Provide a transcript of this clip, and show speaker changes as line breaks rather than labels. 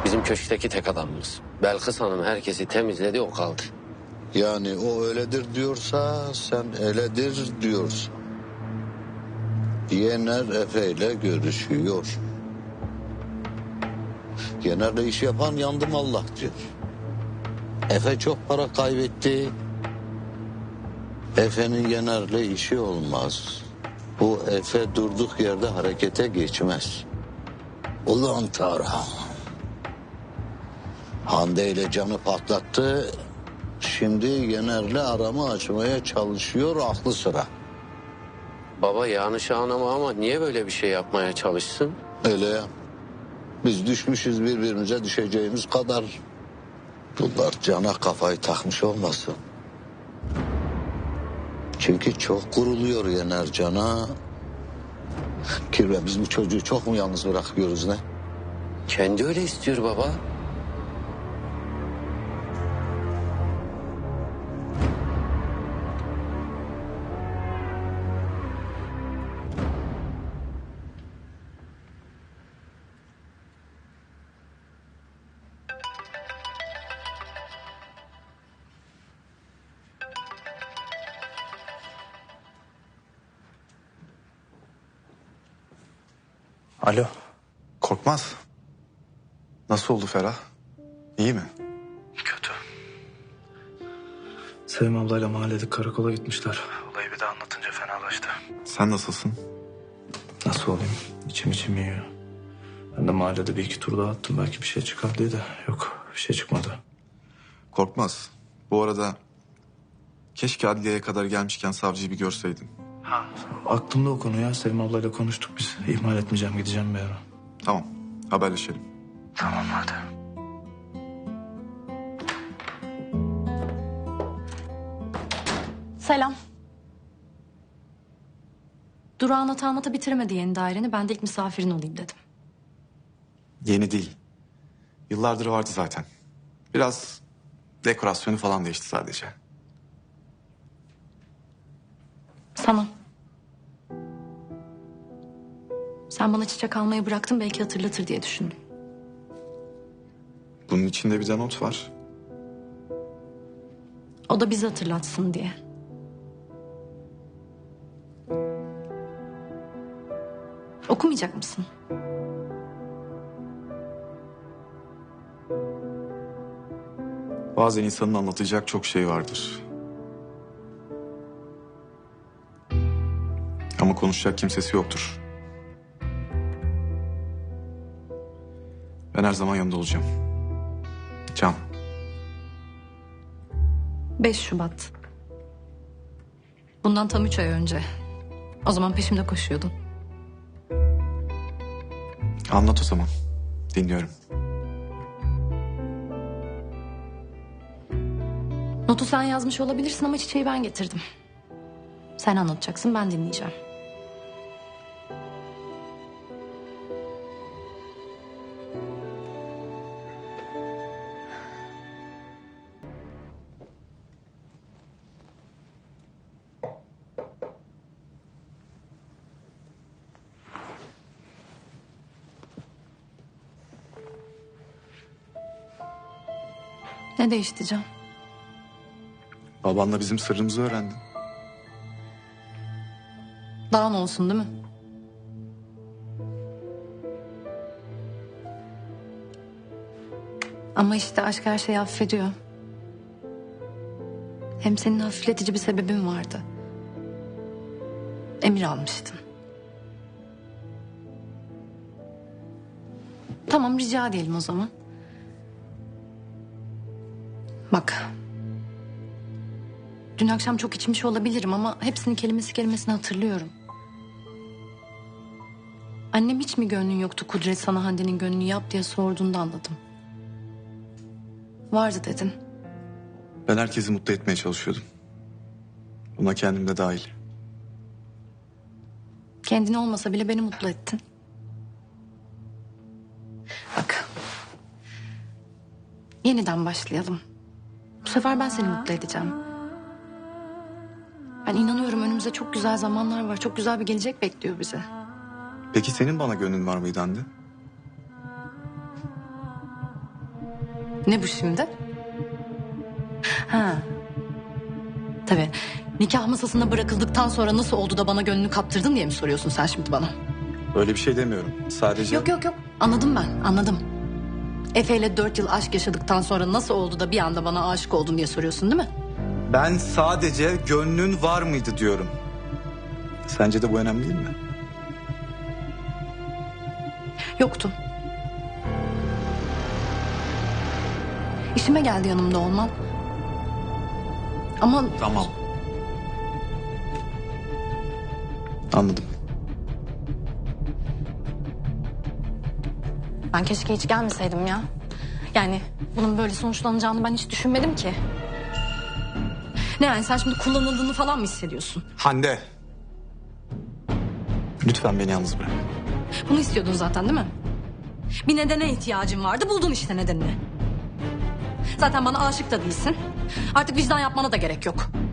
Bizim köşkteki tek adamımız. Belkıs Hanım herkesi temizledi, o kaldı.
Yani o öyledir diyorsa sen öyledir diyorsun. Yener Efe ile görüşüyor. Yener'le iş yapan yandım Allah diyor. Efe çok para kaybetti. Efe'nin Yener'le işi olmaz. Bu Efe durduk yerde harekete geçmez. Ulan Tarhan. Hande ile canı patlattı. Şimdi Yener'le aramı açmaya çalışıyor aklı sıra.
Baba yanlış anlama ama niye böyle bir şey yapmaya çalışsın?
Öyle ya. Biz düşmüşüz birbirimize düşeceğimiz kadar. Bunlar cana kafayı takmış olmasın. Çünkü çok kuruluyor Yener cana. Kirve biz bu çocuğu çok mu yalnız bırakıyoruz ne?
Kendi öyle istiyor baba.
Alo.
Korkmaz. Nasıl oldu Ferah? İyi mi?
Kötü. Sevim ablayla mahallede karakola gitmişler. Olayı bir de anlatınca fenalaştı.
Sen nasılsın?
Nasıl olayım? İçim yiyor. Ben de mahallede bir iki tur daha attım. Belki bir şey çıkar diye de yok, bir şey çıkmadı.
Korkmaz. Bu arada keşke adliyeye kadar gelmişken savcıyı bir görseydin.
Aklımda o konu ya. Sevim ablayla konuştuk biz. İhmal etmeyeceğim, gideceğim bir ara.
Tamam, haberleşelim.
Tamam hadi.
Selam. Durağan atamata bitiremedi yeni daireni. Ben de ilk misafirin olayım dedim.
Yeni değil. Yıllardır vardı zaten. Biraz dekorasyonu falan değişti sadece.
Sana. Sen bana çiçek almayı bıraktın, belki hatırlatır diye düşündüm.
Bunun içinde bir de not var.
O da bizi hatırlatsın diye. Okumayacak mısın?
Bazen insanın anlatacak çok şey vardır. Ama konuşacak kimsesi yoktur. Ben her zaman yanında olacağım. Can.
5 Şubat. Bundan tam 3 ay önce. O zaman peşimde koşuyordun.
Anlat o zaman. Dinliyorum.
Notu sen yazmış olabilirsin ama çiçeği ben getirdim. Sen anlatacaksın, ben dinleyeceğim. Ne değişti Can?
Babanla bizim sırrımızı öğrendin.
Daha ne olsun değil mi? Ama işte aşk her şeyi affediyor. Hem senin hafifletici bir sebebin vardı. Emir almıştın. Tamam, rica edelim o zaman. Bak. Dün akşam çok içmiş olabilirim ama hepsini kelimesi kelimesine hatırlıyorum. Annem hiç mi gönlün yoktu Kudret sana Hande'nin gönlünü yap diye sorduğunda anladım. Vardı dedin.
Ben herkesi mutlu etmeye çalışıyordum. Buna kendim de dahil.
Kendini olmasa bile beni mutlu ettin. Bak. Yeniden başlayalım. Bu sefer ben seni mutlu edeceğim. Ben inanıyorum önümüzde çok güzel zamanlar var. Çok güzel bir gelecek bekliyor bizi.
Peki senin bana gönlün var mıydı Hande?
Ne bu şimdi? Ha. Tabii. Nikah masasında bırakıldıktan sonra nasıl oldu da bana gönlünü kaptırdın diye mi soruyorsun sen şimdi bana?
Öyle bir şey demiyorum. Sadece...
Yok. Anladım ben, anladım. Efe ile 4 yıl aşk yaşadıktan sonra nasıl oldu da bir anda bana aşık oldun diye soruyorsun değil mi?
Ben sadece gönlün var mıydı diyorum. Sence de bu önemli değil mi?
Yoktu. İşime geldi yanımda olman. Ama
Tamam. Anladım.
ben keşke hiç gelmeseydim ya. Yani bunun böyle sonuçlanacağını ben hiç düşünmedim ki. Ne yani sen şimdi kullanıldığını falan mı hissediyorsun?
Hande. Lütfen beni yalnız bırak.
Bunu istiyordun zaten değil mi? Bir nedene ihtiyacın vardı, buldun işte nedenini. Zaten bana aşık da değilsin. Artık vicdan yapmana da gerek yok.